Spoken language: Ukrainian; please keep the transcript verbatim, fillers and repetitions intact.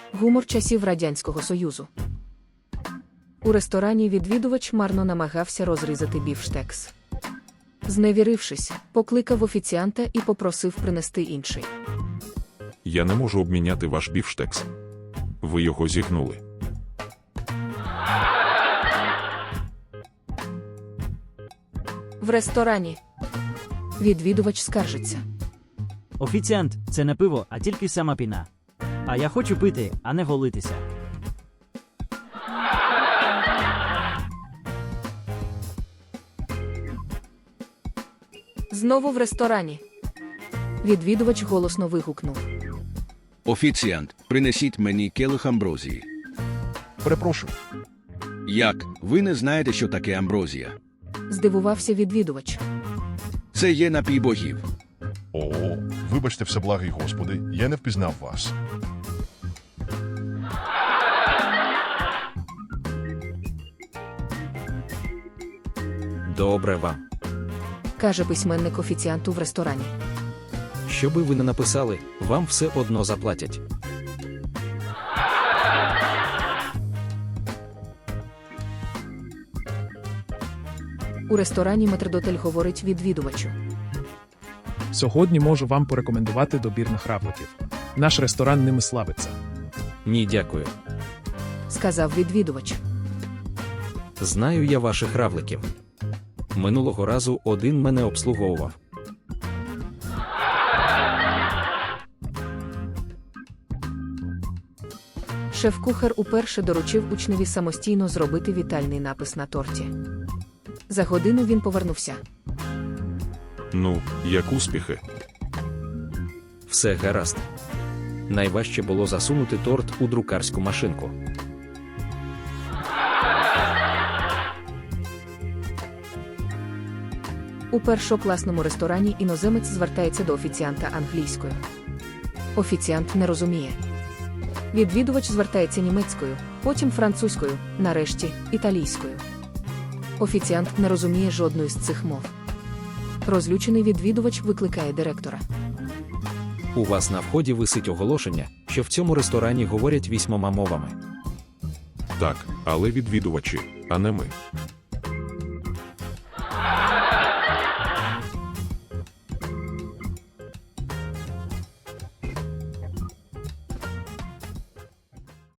Гумор часів Радянського Союзу. У ресторані відвідувач марно намагався розрізати бівштекс. Зневірившись, покликав офіціанта і попросив принести інший. Я не можу обміняти ваш бівштекс. Ви його зігнули. В ресторані. Відвідувач скаржиться. Офіціант, це не пиво, а тільки сама піна. А я хочу пити, а не голитися. Знову в ресторані. Відвідувач голосно вигукнув. Офіціант, принесіть мені келих амброзії. Перепрошую. Як? Ви не знаєте, що таке амброзія? Здивувався відвідувач. Це є напій богів. О, вибачте, всеблагий Господи, я не впізнав вас. Добре вам. Каже письменник офіціанту в ресторані. Що би ви не написали, вам все одно заплатять. У ресторані метрдотель говорить відвідувачу. Сьогодні можу вам порекомендувати добірних равликів. Наш ресторан ними славиться. Ні, дякую. Сказав відвідувач. Знаю я ваших равликів. Минулого разу один мене обслуговував. Шеф-кухар уперше доручив учневі самостійно зробити вітальний напис на торті. За годину він повернувся. Ну, як успіхи? Все гаразд. Найважче було засунути торт у друкарську машинку. У першокласному ресторані іноземець звертається до офіціанта англійською. Офіціант не розуміє. Відвідувач звертається німецькою, потім французькою, нарешті італійською. Офіціант не розуміє жодної з цих мов. Розлючений відвідувач викликає директора. У вас на вході висить оголошення, що в цьому ресторані говорять вісьмома мовами. Так, але відвідувачі, а не ми.